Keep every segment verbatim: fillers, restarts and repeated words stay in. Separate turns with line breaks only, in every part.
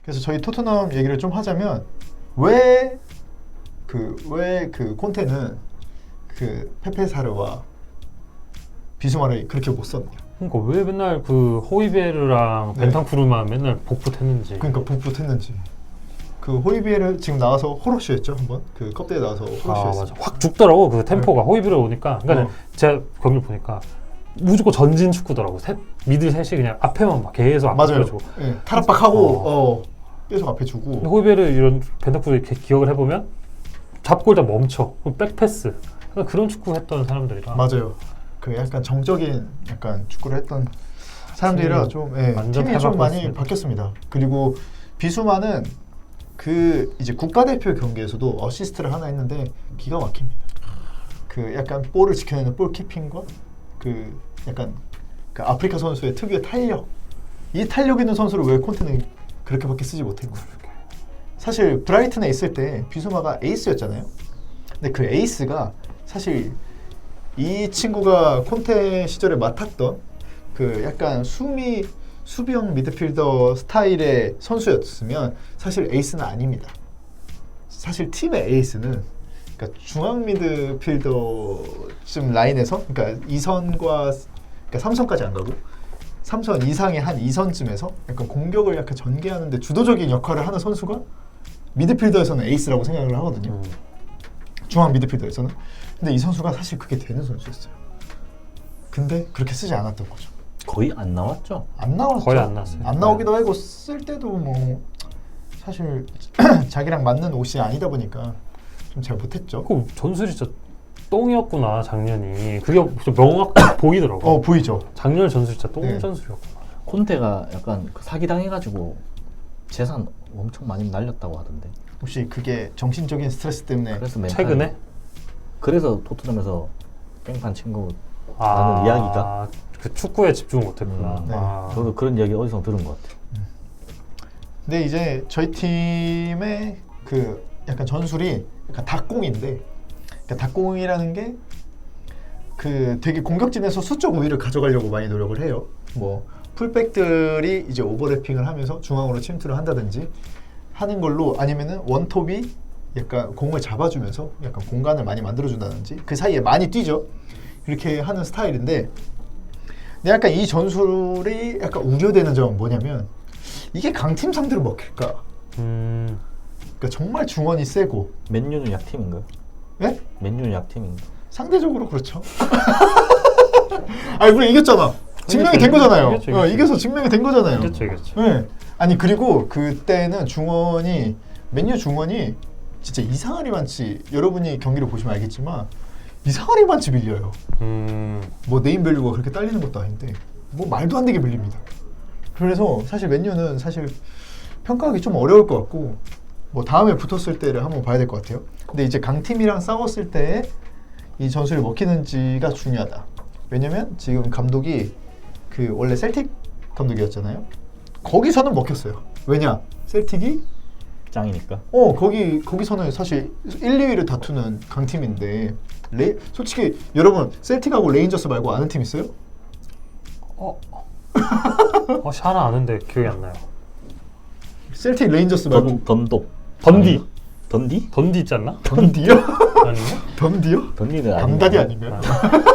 그래서 저희 토트넘 얘기를 좀 하자면 왜 그 왜 그 콘테는 그 페페사르와 비수마를 그렇게 못 썼냐.
그러니까 왜 맨날 그 호이베르랑
네.
벤탄쿠르만 맨날 복붙했는지.
그러니까 복붙했는지. 그 호이비에르 지금 나와서 호러쉬였죠 한번. 그 컵대에 나와서
아
호러쉬였어.
맞아. 확 죽더라고 그 템포가. 네. 호이베르 오니까. 그러니까
어.
제가 경기를 보니까 무조건 전진 축구더라고. 셋, 미들 셋이 그냥 앞에만 막 계속 앞에
맞아요.
주고.
네, 탈압박하고
어.
어. 계속 앞에 주고.
호이베르 이런 벤탄쿠르 이렇게 기억을 해보면 잡고 일단 멈춰. 그럼 백패스. 그러니까 그런 축구 했던 사람들이라.
맞아요. 그 약간 정적인 약간 축구를 했던 사람들이라 좀 예, 팀이 좀 많이 바뀌었습니다. 그리고 비수마는 그 이제 국가대표 경기에서도 어시스트를 하나 했는데 기가 막힙니다. 그 약간 볼을 지켜내는 볼 키핑과 그 약간 그 아프리카 선수의 특유의 탄력, 이 탄력 있는 선수를 왜 콘테는 그렇게밖에 쓰지 못했고. 사실 브라이튼에 있을 때 비수마가 에이스였잖아요. 근데 그 에이스가 사실 이 친구가 콘테 시절에 맡았던 그 약간 수미 수비형 미드필더 스타일의 선수였으면 사실 에이스는 아닙니다. 사실 팀의 에이스는 그러니까 중앙 미드필더쯤 라인에서 그러니까 이 선과 그러니까 삼 선까지 안 가고 삼 선 이상의 한 이 선쯤에서 약간 공격을 약간 전개하는데 주도적인 역할을 하는 선수가 미드필더에서는 에이스라고 생각을 하거든요. 음. 중앙 미드필더에서는. 근데 이 선수가 사실 그게 되는 선수였어요. 근데 그렇게 쓰지 않았던 거죠.
거의 안 나왔죠?
안 나왔죠.
거의 안 나왔어요.
안 나오기도 하고 쓸 때도 뭐 사실 자기랑 맞는 옷이 아니다 보니까 좀 잘 못했죠.
그 전술이 진짜 똥이었구나 작년이. 그게 명확히 보이더라고.
어 보이죠.
작년 전술 진짜 똥
네.
전술이었구나.
콘테가 약간 그 사기당해가지고 재산 엄청 많이 날렸다고 하던데.
혹시 그게 정신적인 스트레스 때문에
그래서 멘탈,
최근에?
그래서 토트넘에서 뺑판 친 거라는
아,
이야기가.
그 축구에 집중을 못했구나.
음,
네.
아.
저도 그런 이야기 어디서 들은 것 같아요.
근데 이제 저희 팀의 그 약간 전술이 약간 닭공인데, 그러니까 닭공이라는 게 그 되게 공격진에서 수적 우위를 가져가려고 많이 노력을 해요. 뭐 풀백들이 이제 오버래핑을 하면서 중앙으로 침투를 한다든지 하는 걸로, 아니면은 원톱이 약간 공을 잡아주면서 약간 공간을 많이 만들어준다든지 그 사이에 많이 뛰죠. 이렇게 하는 스타일인데, 근데 약간 이 전술이 약간 우려되는 점은 뭐냐면 이게 강팀 상대로 먹힐까?
음.
그러니까 정말 중원이 세고.
맨유는 약팀인가요?
네?
맨유는 약팀인가?
상대적으로 그렇죠. 아니 우리 이겼잖아. 증명이 된 거잖아요.
이겼죠, 이겼죠.
어, 이겨서 증명이 된 거잖아요.
이겼죠, 이겼죠.
네. 아니 그리고 그때는 중원이 맨유 중원이 진짜 이상하리 많지. 여러분이 경기를 보시면 알겠지만 이상하리 많지 밀려요.
음.
뭐 네임밸류가 그렇게 딸리는 것도 아닌데 뭐 말도 안 되게 밀립니다. 그래서 사실 맨유는 사실 평가하기 좀 어려울 것 같고, 뭐 다음에 붙었을 때를 한번 봐야 될 것 같아요. 근데 이제 강팀이랑 싸웠을 때 이 전술이 먹히는지가 중요하다. 왜냐면 지금 감독이 그 원래 셀틱 감독이었잖아요. 거기서는 먹혔어요. 왜냐? 셀틱이
짱이니까.
어 거기 거기서는 사실 일, 이 위를 다투는 강팀인데, 레 솔직히 여러분 셀틱하고 레인저스 말고 아는 팀 있어요?
어. 어, 하나 아는데 기억이 안 나요.
셀틱 레인저스 말고
던, 던독.
던디.
아닌가? 던디?
던디 있지 않나?
던디요?
아닌가?
던디요?
던디는
담다디
아닌가?
아닌가요?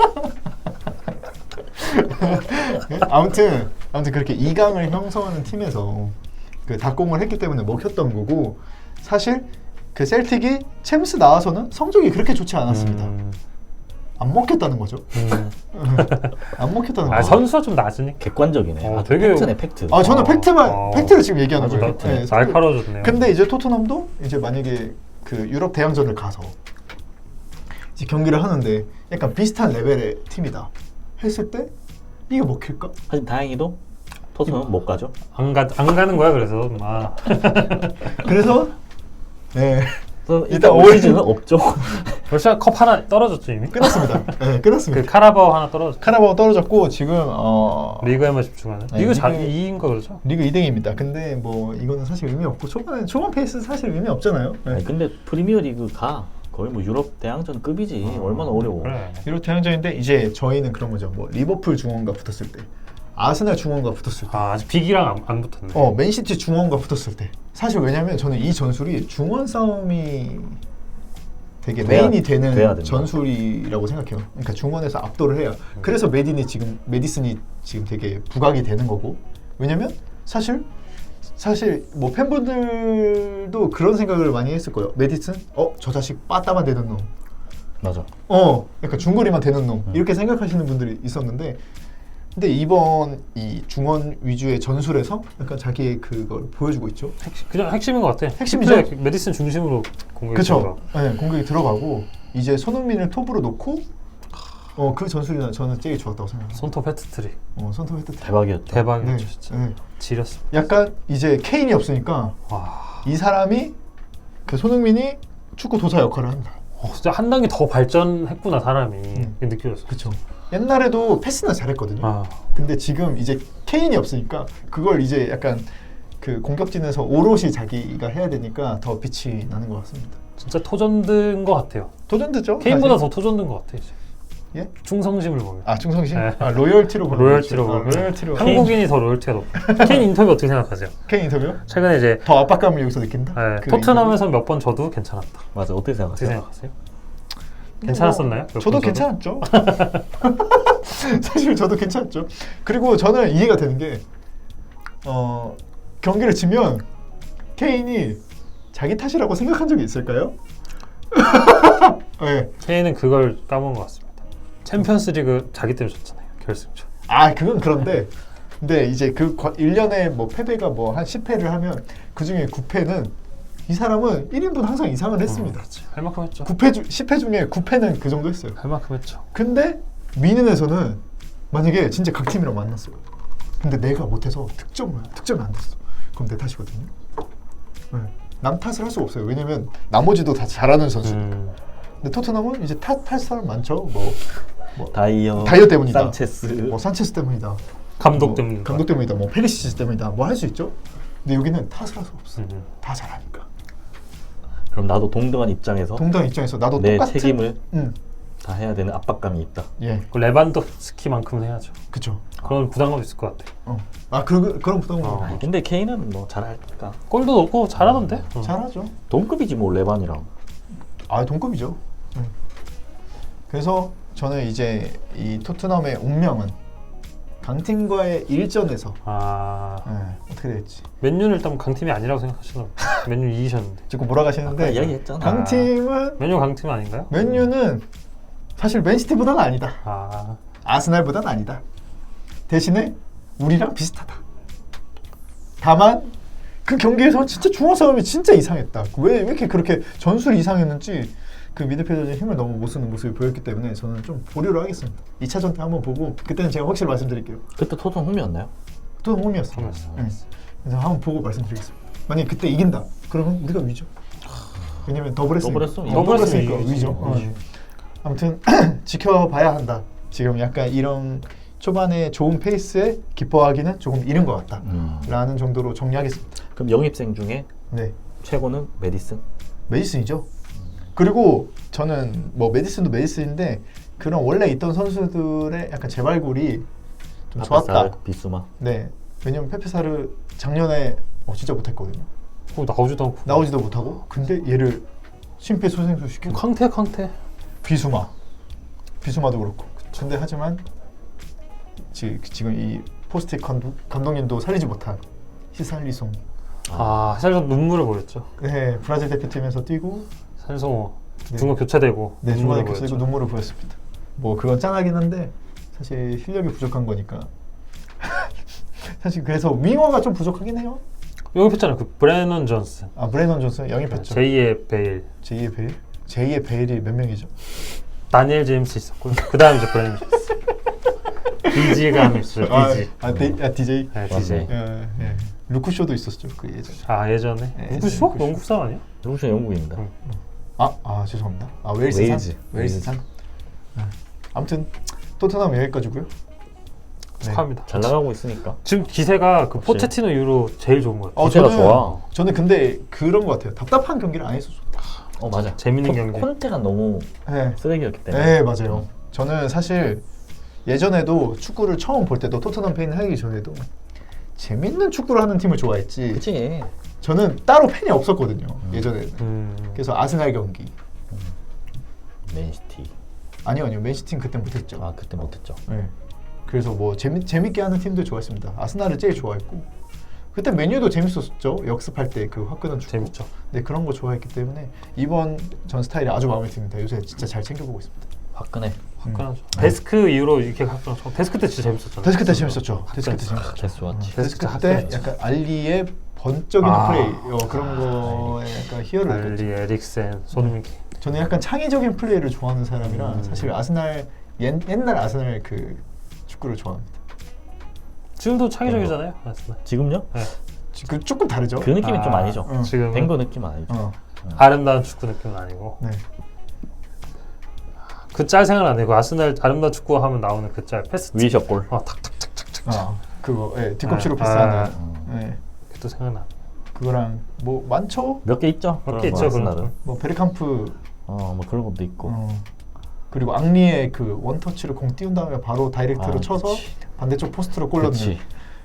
아무튼 아무튼 그렇게 이 강을 형성하는 팀에서 그 닭공을 했기 때문에 먹혔던 거고, 사실 그 셀틱이 챔스 나와서는 성적이 그렇게 좋지 않았습니다.
음.
안 먹혔다는 거죠.
음.
안 먹혔다는
아,
거죠.
선수가 좀 낮으니까.
객관적이네.
어,
아,
되게-
팩트네, 팩트.
아 저는
어.
팩트만
어.
팩트를 지금 얘기하는
아주
거예요.
팩트네.
날카로워졌네요.
근데 이제 토트넘도 이제 만약에 그 유럽 대항전을 가서 이제 경기를 하는데 약간 비슷한 레벨의 팀이다 했을 때 이게 먹힐까?
하지만 다행히도 토트넘은 못 가죠.
안, 가, 안 가는 거야 그래서. 아.
그래서 네
그래서
일단
일단
올
올 시즌은 없죠.
러시아 컵 하나 떨어졌죠 이미?
끝났습니다. 네 끝났습니다.
그 카라바오 하나 떨어졌죠.
카라바오 떨어졌고 지금 어
리그에만 집중하는.
네,
리그 잘
리그-
이인 거 그러죠?
리그 이 등입니다. 근데 뭐 이거는 사실 의미 없고 초반에 초반 페이스 사실 의미 없잖아요. 네.
아니, 근데 프리미어 리그 가 거의 뭐 유럽 대항전급이지.
어,
얼마나 어려워.
그래.
유럽 대항전인데 이제 저희는 그런 거죠. 뭐 리버풀 중원과 붙었을 때 아스날 중원과 붙었을 때,
아, 아직 빅이랑 안, 안 붙었네.
어 맨시티 중원과 붙었을 때, 사실 왜냐면 저는 이 전술이 중원 싸움이 되게
돼야-
메인이
돼야
되는
된다.
전술이라고 생각해요. 그러니까 중원에서 압도를 해야. 그래서 메딘이 지금 메디슨이 지금 되게 부각이 되는 거고. 왜냐면 사실 사실 뭐 팬분들도 그런 생각을 많이 했을 거예요. 메디슨? 어, 저 자식 빠따만 되는 놈.
맞아.
어, 약간 중거리만 되는 놈.
음.
이렇게 생각하시는 분들이 있었는데, 근데 이번 이 중원 위주의 전술에서 약간 자기의 그걸 보여주고 있죠.
핵심, 그냥 핵심인 것 같아.
핵심이죠.
플레이, 메디슨 중심으로 공격이
그렇죠.
들어가고.
네, 공격이 들어가고 이제 손흥민을 톱으로 놓고, 어, 그 전술이 저는 제일 좋았다고 생각합니다.
손톱 헤트트릭.
어, 손톱 헤드
대박이었죠.
대박이었죠,
네,
진짜.
네.
지렸어.
약간 이제 케인이 없으니까
와,
이 사람이 그 손흥민이 축구 도사 역할을 한다.
어, 진짜 한 단계 더 발전했구나 사람이.
음.
그게 느껴졌어.
그렇죠. 옛날에도 패스는 잘했거든요.
아,
근데 지금 이제 케인이 없으니까 그걸 이제 약간 그 공격진에서 오롯이 자기가 해야 되니까 더 빛이 나는 것 같습니다.
진짜 토전든 것 같아요.
도전되죠?
케인보다
사실?
더 토전든 것 같아 이제.
예?
충성심을 보면.
아 충성심?
네.
아 로열티로 보는
로열티로
거죠. 아,
보면.
로열티로.
한국인이 더 로열티가 높아. 케인 인터뷰 어떻게 생각하세요?
케인 인터뷰?
최근에 이제
더 압박감을 여기서 느낀다?
네,
그
토트넘에서 몇 번 져도 괜찮았다.
맞아. 어떻게
어떻게
생각하세요?
생각하세요?
인터뷰?
괜찮았었나요?
뭐, 저도 괜찮았죠. 사실 저도 괜찮았죠. 그리고 저는 이해가 되는 게 어, 경기를 지면 케인이 자기 탓이라고 생각한 적이 있을까요? 네.
케인은 그걸 까먹은 것 같습니다. 챔피언스리그 자기 때문에 졌잖아요. 결승전.
아 그건 그런데 근데 이제 그 일 년에 뭐 패배가 뭐 한 십 회를 하면 그중에 구 패는 이 사람은 일 인분 항상 이상을 했습니다.
어, 그치. 할 만큼 했죠.
구 패 주, 십 회 중에 구 패는 그 정도 했어요.
할 만큼 했죠.
근데 미는에서는 만약에 진짜 강팀이랑 만났어요. 근데 내가 못해서 득점을 득점이 안 됐어. 그럼 내 탓이거든요. 네. 남 탓을 할 수가 없어요. 왜냐면 나머지도 다 잘하는 선수.
음.
근데 토트넘은 이제 탓할 사람 많죠. 뭐, 뭐
다이어,
다이어 때문이다.
산체스.
뭐 산체스 때문이다.
감독
뭐,
때문이다.
감독 때문이다. 뭐 페리시치 때문이다. 뭐 할 수 있죠. 근데 여기는 탓을 할 수 없어. 요
음.
다 잘하니까.
그럼 나도 동등한 입장에서
동당 입장에서 나도
내
똑같은
책임을
응.
다 해야 되는 압박감이 있다.
예,
그 레반도스키만큼은 해야죠.
그쵸.
그런 부담감 있을 것 같아.
어. 아 그, 그런 부담은
어.
아니, 근데 케인은 뭐 잘할까?
골도 넣고 잘하던데. 어.
잘하죠.
동급이지 뭐 레반이랑.
아 동급이죠. 응. 그래서 저는 이제 이 토트넘의 운명은 강팀과의 일전에서
아,
예, 어떻게 될지
맨유는 일단 강팀이 아니라고 생각하시나 봐요. 맨유 이기셨는데.
자꾸 몰아가시는데
아까 이야기했잖아.
강팀은
맨유 강팀 아닌가요?
맨유는 사실 맨시티보다는 아니다.
아,
아스날보다는 아니다. 대신에 우리랑 비슷하다. 다만 그 경기에서 진짜 중원 싸움이 진짜 이상했다. 왜, 왜 이렇게 그렇게 전술이 이상했는지 그 미드필더의 힘을 너무 못 쓰는 모습이 보였기 때문에 저는 좀 보류를 하겠습니다. 이 차전 때 한번 보고 그때는 제가 확실히 말씀드릴게요.
그때 토트넘 홈이었나요?
또 홈이었어요.
홈이었어요.
네. 그래서 한번 보고 말씀드리겠습니다. 만약에 그때 이긴다. 그러면 우리가 위죠. 왜냐면 더블했으니까.
더블했으면
어, 더블했으니까
더블했으면
위죠.
이기지.
어.
음.
아무튼 지켜봐야 한다. 지금 약간 이런 초반에 좋은 페이스에 기뻐하기는 조금 이른 것 같다.
음.
라는 정도로 정리하겠습니다.
그럼 영입생 중에
네,
최고는 메디슨?
메디슨이죠. 그리고 저는 뭐 메디슨도 메디슨인데 그런 원래 있던 선수들의 약간 재발굴이 좀 좋았다.
파페사르, 비수마.
네, 왜냐면 페페사르 작년에 어, 진짜 못했거든요.
어, 나오지도 않고.
나오지도 못하고 근데 얘를 심폐소생술 시키고
캉테 캉테.
비수마 비수마도 그렇고 근데 하지만 지, 지금 이 포스트 감독, 감독님도 살리지 못한 히살리송
아, 살짝 눈물을 보였죠.
네 브라질 대표팀에서 뛰고
산성호
네.
중간 교체되고
네 중간에
눈물을
교체되고
보였죠.
눈물을 보였습니다. 뭐 그건 짠하긴 한데 사실 실력이 부족한 거니까 사실 그래서 윙어가 좀 부족하긴 해요.
영입했잖아요. 그 브래넌 존슨.
아 브레넌 존슨 영입했죠.
제이의 베일.
제이의 베일? 제이의 베일이 몇 명이죠?
다니엘 제임스 있었고요. 그 다음 이제 브래넌 존슨. 디지가 한 있어요. 디지.
아, 아, 디, 아 디제이?
네,
맞네.
디지.
예, 예. 루크쇼도 있었죠 그 예전에.
아, 예전에.
네,
누구쇼?
누구쇼?
영국 사람 아니야?
루션 영국입니다.
응.
아, 아 죄송합니다. 아 웨일스 산?
웨일즈.
웨일스 산? 네. 아무튼 토트넘 여기까지고요. 네.
축하합니다.
잘 나가고 있으니까.
지금 기세가 그
역시.
포체티노 이후로 제일 좋은 것 같아요.
어,
기세가
저는,
좋아.
저는 근데 그런 것 같아요. 답답한 경기를 안 했었어.
어 맞아.
재밌는
콘-
경기.
콘테가 너무
네.
쓰레기였기 때문에.
네 맞아요. 저는 사실 예전에도 축구를 처음 볼 때도 토트넘 팬 하기 전에도 재밌는 축구를 하는 팀을 좋아했지.
그치.
저는 따로 팬이 없었거든요.
음.
예전에는.
음.
그래서 아스날 경기.
맨시티.
아니요, 아니요. 맨시티는 그때 못했죠.
아 그때 못했죠.
네. 그래서 뭐 재미 재밌게 하는 팀들 좋아했습니다. 아스날을 제일 좋아했고 그때 메뉴도 재밌었죠. 역습할 때 그 화끈한 축구.
재밌죠.
네, 그런 거 좋아했기 때문에 이번 전 스타일이 아주 마음에 듭니다. 요새 진짜 잘 챙겨보고 있습니다.
화끈해.
화끈하죠. 데스크 이후로 이렇게 가끔 데스크 때 진짜 재밌었잖아요.
데스크 때 재밌었죠. 데스크 때
화끈.
재밌었죠.
계속 좋았지.
데스크
데스크
때
화끈했죠.
약간 알리의 번쩍이는
아.
플레이 어, 그런 거에 약간 희열을
알리,
느꼈죠.
에릭센, 손흥민.
저는 약간 창의적인 플레이를 좋아하는 사람이라
음.
사실 아스날 옛, 옛날 아스날 그 축구를 좋아합니다.
지금도 창의적이잖아요. 아스날.
지금요?
네.
그 조금 다르죠.
그 느낌이
아,
좀 아니죠.
어.
지금
뱅거 느낌 아니죠.
어,
아름다운 축구 느낌은 아니고
네.
그 짤 생각 안 나고 아스날 아름다운 축구 하면 나오는 그 짤 패스
위셔 골.
어, 탁탁탁탁탁
아, 그거 예, 뒤꿈치로
아,
패스하는.
아.
음.
예,
또 생각나.
그거랑 뭐 많죠.
몇 개 있죠.
몇
그런
개
거,
있죠, 그런
아스날은.
거.
뭐 베르캄프
어, 뭐 그런 것도 있고.
어, 그리고 앙리의 그 원터치를 공 띄운 다음에 바로 다이렉트로
아,
쳐서
그치.
반대쪽 포스트로 골 넣는.
그렇지.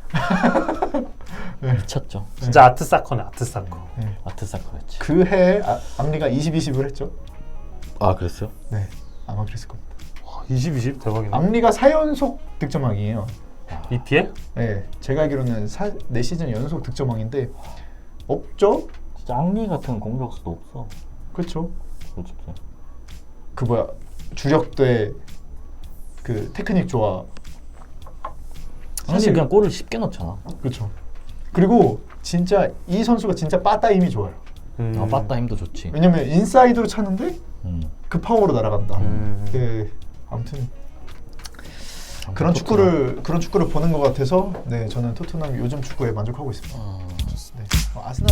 네.
미쳤죠.
진짜 아트 사커네, 아트 사커.
네.
아트사커였지.
그 해에 아, 앙리가 이십, 이십을 했죠.
아 그랬어요?
네, 아마 그랬을 겁니다.
와, 이십, 이십 대박이네.
앙리가 사 연속 득점왕이에요.
이피엘?
네, 제가 알기로는 사, 네 시즌 연속 득점왕인데 없죠?
진짜 앙리 같은 공격수도 없어.
그렇죠.
솔직히.
그 뭐야 주력대 그 테크닉 좋아.
앙리
사실-
그냥 골을 쉽게 넣잖아.
그렇죠. 그리고 진짜 이 선수가 진짜 빠따 힘이 좋아요.
음.
아, 빠따 힘도 좋지.
왜냐면 인사이드로 차는데
음.
그 파워로 날아간다.
음.
네, 아무튼 그런 축구를 그런 축구를 보는 것 같아서 네 저는 토트넘 요즘 축구에 만족하고 있습니다.
어...
네. 어, 아스날